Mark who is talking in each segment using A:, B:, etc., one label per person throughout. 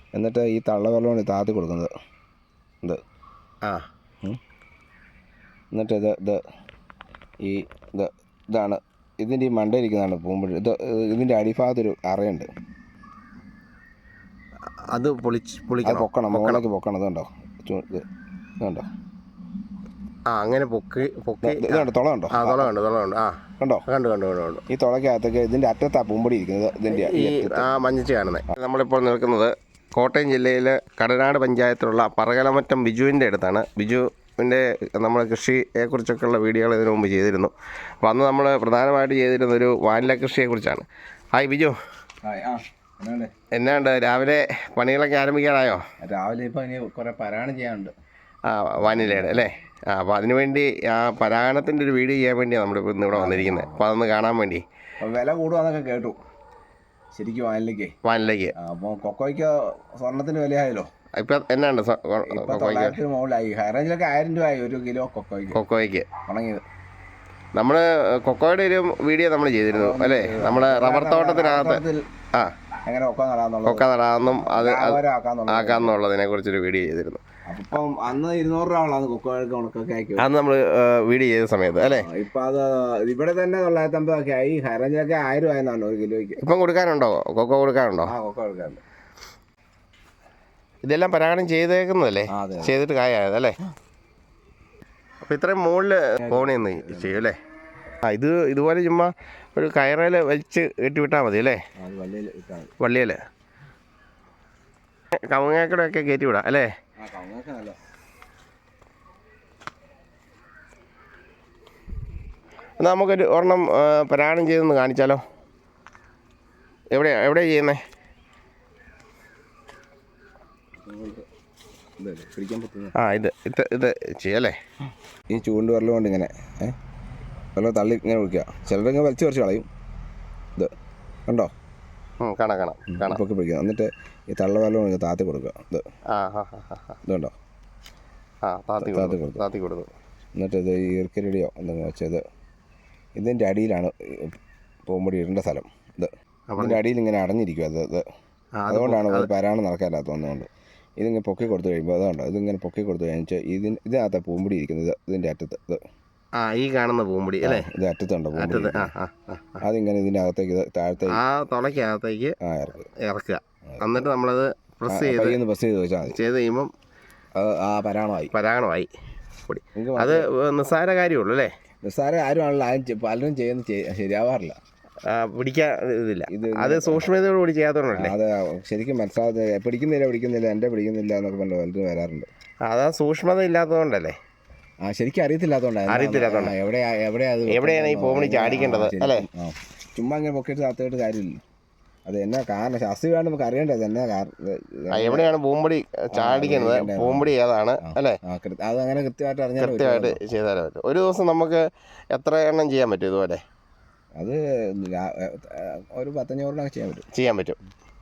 A: എന്നിട്ട് ഈ തള്ളവെള്ളമാണ് താത്തി കൊടുക്കുന്നത്. ഇത് എന്നിട്ട് ഇതാണ് ഇതിൻ്റെ ഈ മണ്ടയിരിക്കുന്നതാണ് പൂമ്പൊഴി. ഇതിൻ്റെ അടിഭാഗത്തൊരു അറയുണ്ട്,
B: അത്
A: പൊക്കണം, മുകളിലേക്ക് പൊക്കണം. ഇതുണ്ടോ, ഇതുണ്ടോ,
B: അങ്ങനെ പൊക്കി
A: ഇതുണ്ട്, തുള കണ്ടോ? കണ്ടോ? ഈ തുളയ്ക്കകത്തേക്ക് ഇതിൻ്റെ അറ്റത്താ പൂമ്പൊടി ഇരിക്കുന്നത്. ഇതിൻ്റെ
B: മഞ്ഞച്ച് കാണുന്നത്. നമ്മളിപ്പോൾ നിൽക്കുന്നത് കോട്ടയം ജില്ലയിലെ കടനാട് പഞ്ചായത്തിലുള്ള പറകലമറ്റം ബിജുവിൻ്റെ അടുത്താണ്. ബിജുവിൻ്റെ നമ്മൾ കൃഷിയെക്കുറിച്ചൊക്കെയുള്ള വീഡിയോകൾ ഇതിനു മുമ്പ് ചെയ്തിരുന്നു. അപ്പോൾ അന്ന് നമ്മൾ പ്രധാനമായിട്ട് ചെയ്തിരുന്നൊരു വാനില കൃഷിയെക്കുറിച്ചാണ്. ഹായ് ബിജു, എന്നാണ്ട് രാവിലെ പണികളൊക്കെ ആരംഭിക്കാനായോ?
A: രാവിലെ ഇപ്പോൾ ഇനി കുറേ പരാഗണം ചെയ്യാനുണ്ട്.
B: വാനിലയുടെ അല്ലേ? അപ്പോൾ അതിനുവേണ്ടി ആ പരാഗണത്തിൻ്റെ ഒരു വീഡിയോ ചെയ്യാൻ വേണ്ടിയാണ് നമ്മളിപ്പോൾ ഇന്ന് ഇവിടെ വന്നിരിക്കുന്നത്. അപ്പോൾ അതൊന്ന് കാണാൻ വേണ്ടി.
A: വില കൂടുകയെന്നൊക്കെ കേട്ടു ശരിക്കും വാനിലേക്ക്. അപ്പോൾ കൊക്കോയ്ക്ക് സ്വർണ്ണത്തിന് വിലയായല്ലോ.
B: ഇപ്പം എന്നാണ്ട്
A: മുകളിലായി. ഹൈ റേഞ്ചിലൊക്കെ 1000 രൂപയായി ഒരു കിലോ കൊക്കോയ്ക്ക് ഉണങ്ങിയത്.
B: നമ്മൾ കൊക്കോയുടെ ഒരു വീഡിയോ നമ്മൾ ചെയ്തിരുന്നു അല്ലേ? നമ്മുടെ റബ്ബർ തോട്ടത്തിനകത്ത്
A: എങ്ങനെ
B: കൊക്ക നടാമെന്നും അത് ആക്കാമെന്നുള്ളതിനെ കുറിച്ചൊരു വീഡിയോ ചെയ്തിരുന്നു.
A: അപ്പം അന്ന് 200 രൂപ കൊക്കോയ്ക്ക് ഉണക്കൊക്കെ ആക്കി
B: അന്ന് നമ്മൾ വീഡിയോ ചെയ്ത സമയത്ത് അല്ലേ?
A: ഇപ്പം അത് ഇവിടെ തന്നെ 950 ആയി. ഹൈ റേഞ്ചിലൊക്കെ 1000 രൂപയെന്നാണ് ഒരു കിലോയ്ക്ക്.
B: ഇപ്പം കൊടുക്കാനുണ്ടോ? കൊക്കോ കൊടുക്കാനുണ്ടോ?
A: കൊക്കോ കൊടുക്കാനുണ്ട്.
B: ഇതെല്ലാം പരാഗണം ചെയ്തേക്കുന്നതല്ലേ? ചെയ്തിട്ട് കായതല്ലേ? അപ്പോൾ ഇത്രയും മുകളിൽ കോണിയൊന്ന് ചെയ്യും അല്ലേ? ഇതുപോലെ ചുമ്മാ ഒരു കയറയിൽ വലിച്ച് കെട്ടിവിട്ടാൽ മതി അല്ലേ? വള്ളിയിൽ കവുങ്ങാക്കടൊക്കെ കയറ്റി വിടാം അല്ലേ? എന്നാൽ നമുക്കൊരു ഒരെണ്ണം പരാഗണം ചെയ്തൊന്ന് കാണിച്ചാലോ? എവിടെയാണ് ചെയ്യുന്നത്? ഇത് ചെയ്യല്ലേ?
A: ഈ ചൂണ്ട് വെള്ളം കൊണ്ട് ഇങ്ങനെ വെള്ളം തള്ളി ഇങ്ങനെ ഒഴിക്കുക. ചിലരിങ്ങനെ വലിച്ചു കുറച്ച് കളയും. ഇത് കണ്ടോ?
B: കാണാം
A: പൊക്കി പിടിക്കുക. എന്നിട്ട് ഈ തള്ള വെള്ളം താത്തി കൊടുക്കുക. ഇതുണ്ടോ?
B: താത്തി കൊടുത്തു.
A: എന്നിട്ട് ഇത് ഈർക്കരിടിയോ എന്തെങ്കിലും വെച്ചത് ഇതിൻ്റെ അടിയിലാണ് പൂമ്പൊടി ഇടേണ്ട സ്ഥലം. ഇതിൻ്റെ അടിയിൽ ഇങ്ങനെ അടഞ്ഞിരിക്കും. അതുകൊണ്ടാണ് പരാഗണം നടക്കാനില്ലാത്ത ഒന്നുകൊണ്ട് ഇതിങ്ങനെ പൊക്കി കൊടുത്തു കഴിയുമ്പോൾ അതുകൊണ്ടോ ഇതിങ്ങനെ പൊക്കി കൊടുത്തു കഴിഞ്ഞാൽ ഇതിനകത്ത് പൂമ്പൊടി ഇരിക്കുന്നത്. ഇതിൻ്റെ അറ്റത്ത്
B: ഈ കാണുന്ന പൂമ്പൊടി അല്ലേ?
A: ഇത് അറ്റത്തുണ്ടോ പൂമ്പൊടി? അതിങ്ങനെ ഇതിൻ്റെ അകത്തേക്ക് താഴത്തേക്ക്
B: തുളയ്ക്കകത്തേക്ക് ഇറക്കുക. എന്നിട്ട് നമ്മളത് പ്രസ് ചെയ്ത് ചെയ്ത് കഴിയുമ്പം പരാഗണമായി പൊടി. അത് നിസ്സാര കാര്യമുള്ളൂ അല്ലേ?
A: നിസ്സാര കാര്യമാണല്ലോ. പലരും ചെയ്യുന്നത് ശരിയാവാറില്ല.
B: പിടിക്കാൻ ഇതില്ല. അത് സൂക്ഷ്മതയോടുകൂടി ചെയ്യാത്തതുകൊണ്ടല്ലേ?
A: അത് ശരിക്കും മനസ്സിലാകാതെ പിടിക്കുന്നില്ല എൻ്റെ പിടിക്കുന്നില്ല എന്നൊക്കെ പറഞ്ഞു പലരും വരാറുണ്ട്.
B: അതാ സൂക്ഷ്മത ഇല്ലാത്തതുകൊണ്ടല്ലേ?
A: ശരിക്കും അറിയത്തില്ലാത്തതുകൊണ്ടാണ്
B: എവിടെയാണ് ഈ പൂമ്പൊടി ചാടിക്കേണ്ടത് അല്ലേ?
A: ചുമ്മാ ഇങ്ങനെ പൊക്കിയിട്ട് താത്തിയിട്ട് കാര്യമില്ല. അത് എന്നാ കാരണം ശാസ്ത്രീയമായിട്ട് നമുക്ക് അറിയേണ്ടത് എന്നാ
B: എവിടെയാണ് പൂമ്പൊടി ചാടിക്കുന്നത്, പൂമ്പൊടി ഏതാണ് അല്ലേ?
A: അത് അങ്ങനെ
B: കൃത്യമായിട്ട് ചെയ്താലേ പറ്റും. ഒരു ദിവസം നമുക്ക് എത്ര എണ്ണം ചെയ്യാൻ പറ്റും ഇതുപോലെ?
A: അത് ഒരു 10-500
B: ചെയ്യാൻ പറ്റും.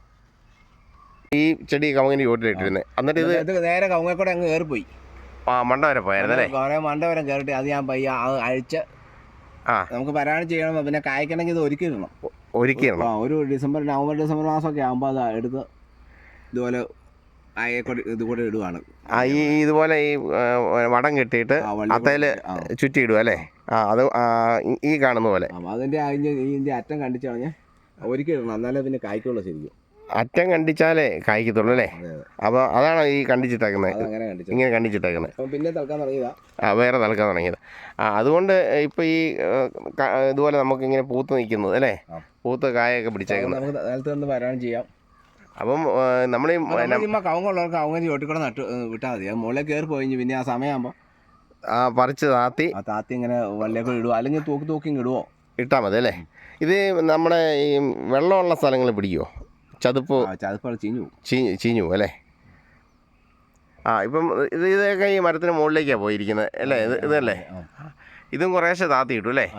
B: ഈ ചെടി കവുങ്ങിന് ചോട്ടിലിട്ടിരുന്നത്. എന്നിട്ട്
A: ഇത് നേരെ കവുങ്ങക്കൂടെ അങ്ങ് കയറിപ്പോയി.
B: മണ്ട വരെ പോയായിരുന്നല്ലേ?
A: കുറേ മണ്ട വരെ കയറിയിട്ട് അത് ഞാൻ പയ്യ അഴിച്ച് നമുക്ക് പരാഗണം ചെയ്യണം. പിന്നെ കായ്ക്കണമെങ്കിൽ ഇത് ഒരുക്കിയിടണം. ഒരു നവംബർ ഡിസംബർ മാസമൊക്കെ ആകുമ്പോൾ അത് എടുത്ത് ഇതുപോലെ ഇതുകൂടെ ഇടുവാണ്.
B: ഇതുപോലെ ഈ വടം കെട്ടിയിട്ട് അത്തയിൽ ചുറ്റി ഇടുക അല്ലേ? അത് ഈ കാണുന്ന പോലെ
A: അതിൻ്റെ ഇതിൻ്റെ അറ്റം കണ്ടിച്ച് കളഞ്ഞാൽ ഒരുക്കിയിടണം. എന്നാലേ പിന്നെ കായ്ക്കുള്ളൂ. ശരിക്കും
B: അറ്റം കണ്ടിച്ചാലേ കായ്ക്കത്തുള്ളൂ അല്ലേ? അപ്പോൾ അതാണ് ഈ കണ്ടിച്ചിട്ടേക്കുന്നത്. ഇങ്ങനെ കണ്ടിച്ചിട്ടേക്കുന്നത്.
A: പിന്നെ തളക്കാൻ തുടങ്ങിയതാ.
B: വേറെ തളക്കാൻ തുടങ്ങിയത്. അതുകൊണ്ട് ഇപ്പോൾ ഈ ഇതുപോലെ നമുക്കിങ്ങനെ പൂത്ത് നിൽക്കുന്നത് അല്ലേ? പൂത്ത് കായൊക്കെ പിടിച്ചേക്കുന്നത്.
A: നേരത്തെ ഒന്ന് പരാഗണം ചെയ്യാം.
B: അപ്പം നമ്മൾ
A: കവുങ്ങുള്ളവർക്ക് കവുങ്ങ് ചോട്ടിക്കൂടെ നട്ട് വിട്ടാൽ മതി. അത് മുകളിൽ കയറി പോയി പിന്നെ ആ സമയമാകുമ്പോൾ
B: പറിച്ച് താത്തി
A: ഇങ്ങനെ വള്ളിയൊക്കെ ഇടുവോ, അല്ലെങ്കിൽ തൂക്കി ഇടുവോ
B: ഇട്ടാൽ മതി അല്ലേ? ഇത് നമ്മുടെ ഈ വെള്ളമുള്ള സ്ഥലങ്ങളിൽ പിടിക്കുമോ? ചതുപ്പ് ചീഞ്ഞു അല്ലേ? ഇപ്പം ഇതൊക്കെ ഈ മരത്തിന് മുകളിലേക്കാണ് പോയിരിക്കുന്നത് അല്ലേ? ഇതല്ലേ? ഇതും കുറേശ്ശെ താത്തി ഇട്ടു അല്ലേ?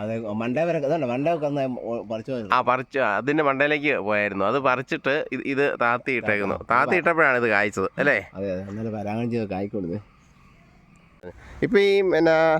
B: പറിച്ച് അതിൻ്റെ മണ്ടയിലേക്ക് പോയായിരുന്നു. അത് പറിച്ചിട്ട് ഇത് താത്തി ഇട്ടേക്കുന്നു. താത്തി ഇട്ടപ്പോഴാണ് ഇത് കായ്ച്ചത് അല്ലേ? ഇപ്പം ഈ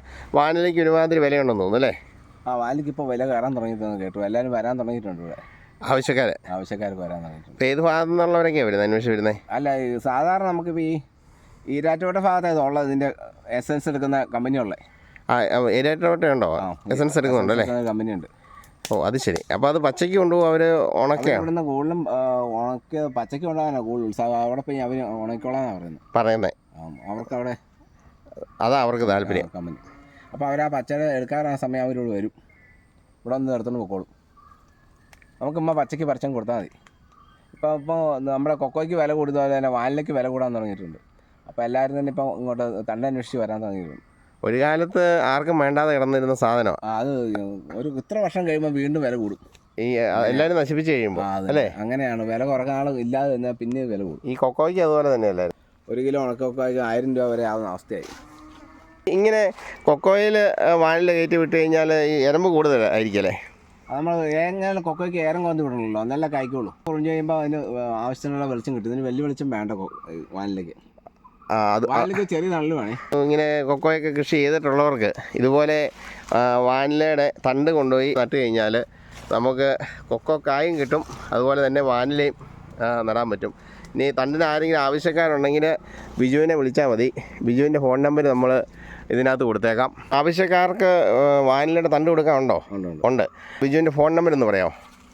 B: വാനിലേക്ക് ഒരുമാതിരി വിലയുണ്ടെന്ന് തോന്നുന്നു അല്ലേ?
A: വാനിലേക്ക് ഇപ്പോൾ വില കയറാൻ തുടങ്ങിയിട്ടെന്ന് കേട്ടു. എല്ലാവരും വരാൻ തുടങ്ങിയിട്ടുണ്ട് ഇവിടെ. ആവശ്യക്കാർക്ക് വരാൻ തുടങ്ങിയിട്ടുണ്ട്.
B: ഇപ്പോൾ ഏത് ഭാഗത്തു നിന്നുള്ളവരൊക്കെയാണ് വരുന്നത് അന്വേഷിച്ച് വരുന്നത്?
A: അല്ല, സാധാരണ നമുക്കിപ്പോൾ ഈ ഈരാറ്റുപേട്ട ഭാഗത്തായത് ഉള്ളത് ഇതിൻ്റെ എസൻസ് എടുക്കുന്ന കമ്പനിയുള്ളത്.
B: ഏരിയായിട്ടോട്ടുണ്ടോ എസൻസ് എടുക്കുന്നുണ്ടോ അല്ലേ?
A: കമ്പനിയുണ്ട്.
B: ഓ അത് ശരി. അപ്പോൾ അത് പച്ചയ്ക്ക് കൊണ്ടുപോകും അവർ ഉണക്കുകയാണ്
A: ഇവിടുന്ന് കൂടുതലും ഉണക്കിയ പച്ചയ്ക്ക് കൊണ്ടുപോകാനാണ് കൂടുതൽ ഉത്സാഹം. അവിടെ പോയി അവർ ഉണക്കിക്കോളാന്നാണ് പറയുന്നത്. അവർക്ക് അവിടെ
B: അതാ അവർക്ക് താല്പര്യം
A: കമ്പനി. അപ്പോൾ അവർ ആ പച്ചയുടെ എടുക്കാറ് ആ സമയം അവരോട് വരും, ഇവിടെ ഒന്ന് എടുത്തുകൊണ്ട് പൊക്കോളും. നമുക്കിമ്മ പച്ചയ്ക്ക് പറിച്ചും കൊടുത്താൽ മതി. ഇപ്പോൾ നമ്മുടെ കൊക്കോയ്ക്ക് വില കൂടുതൽ തന്നെ വാനിലേക്ക് വില കൂടാൻ തുടങ്ങിയിട്ടുണ്ട്. അപ്പോൾ എല്ലാവരും തന്നെ ഇപ്പോൾ ഇങ്ങോട്ട് തണ്ട് അന്വേഷിച്ച് വരാൻ തുടങ്ങിയിട്ടുണ്ട്.
B: ഒരു കാലത്ത് ആർക്കും വേണ്ടാതെ കിടന്നിരുന്ന സാധനം
A: അത് ഇത്ര വർഷം കഴിയുമ്പോൾ വീണ്ടും വില കൂടും.
B: ഈ എല്ലാവരും നശിപ്പിച്ച് കഴിയുമ്പോൾ അല്ലേ?
A: അങ്ങനെയാണ്, വില കുറക്കാൻ ആൾ ഇല്ലാതെ തന്നെ പിന്നെ വില കൂടും.
B: ഈ കൊക്കോയ്ക്ക് അതുപോലെ തന്നെ അല്ലായിരുന്നു.
A: 1 കിലോ ഉണക്കൊക്കോയ്ക്ക് 1000 രൂപ വരെ ആവുന്ന അവസ്ഥയായി.
B: ഇങ്ങനെ കൊക്കോയിൽ വാനിൽ കയറ്റി വിട്ട് കഴിഞ്ഞാൽ ഈ എരമ്പ് കൂടുതലായിരിക്കും അല്ലേ?
A: അത് നമ്മൾ എങ്ങനെ കൊക്കോയ്ക്ക് ഏരം കൊന്ത് വിടണമല്ലോ, നല്ല കായ്ക്കുള്ളൂ. കുറഞ്ഞ് കഴിയുമ്പോൾ അതിന് ആവശ്യത്തിനുള്ള വെളിച്ചം കിട്ടും. ഇതിന് വലിയ വെളിച്ചം വേണ്ട വാനിലേക്ക്. വാനിലേക്ക് ചെറിയ തള്ളു വേണേ.
B: ഇങ്ങനെ കൊക്കോയൊക്കെ കൃഷി ചെയ്തിട്ടുള്ളവർക്ക് ഇതുപോലെ വാനിലയുടെ തണ്ട് കൊണ്ടുപോയി നട്ട് കഴിഞ്ഞാൽ നമുക്ക് കൊക്കോ കായും കിട്ടും, അതുപോലെ തന്നെ വാനിലയും നടാൻ പറ്റും. ഇനി തണ്ടിന് ആരെങ്കിലും ആവശ്യക്കാരുണ്ടെങ്കിൽ ബിജുവിനെ വിളിച്ചാൽ മതി. ബിജുവിൻ്റെ ഫോൺ നമ്പർ നമ്മൾ ഇതിനകത്ത് കൊടുത്തേക്കാം. ആവശ്യക്കാർക്ക് വാനിലയുടെ തണ്ട് കൊടുക്കാനുണ്ടോ? ഉണ്ട്. ബിജുവിൻ്റെ ഫോൺ നമ്പർ ഒന്ന് പറയാമോ?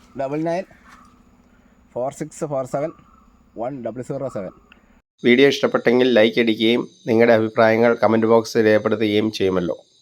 A: 9946471007.
B: വീഡിയോ ഇഷ്ടപ്പെട്ടെങ്കിൽ ലൈക്ക് അടിക്കുകയും നിങ്ങളുടെ അഭിപ്രായങ്ങൾ കമൻറ്റ് ബോക്സിൽ രേഖപ്പെടുത്തുകയും ചെയ്യുമല്ലോ.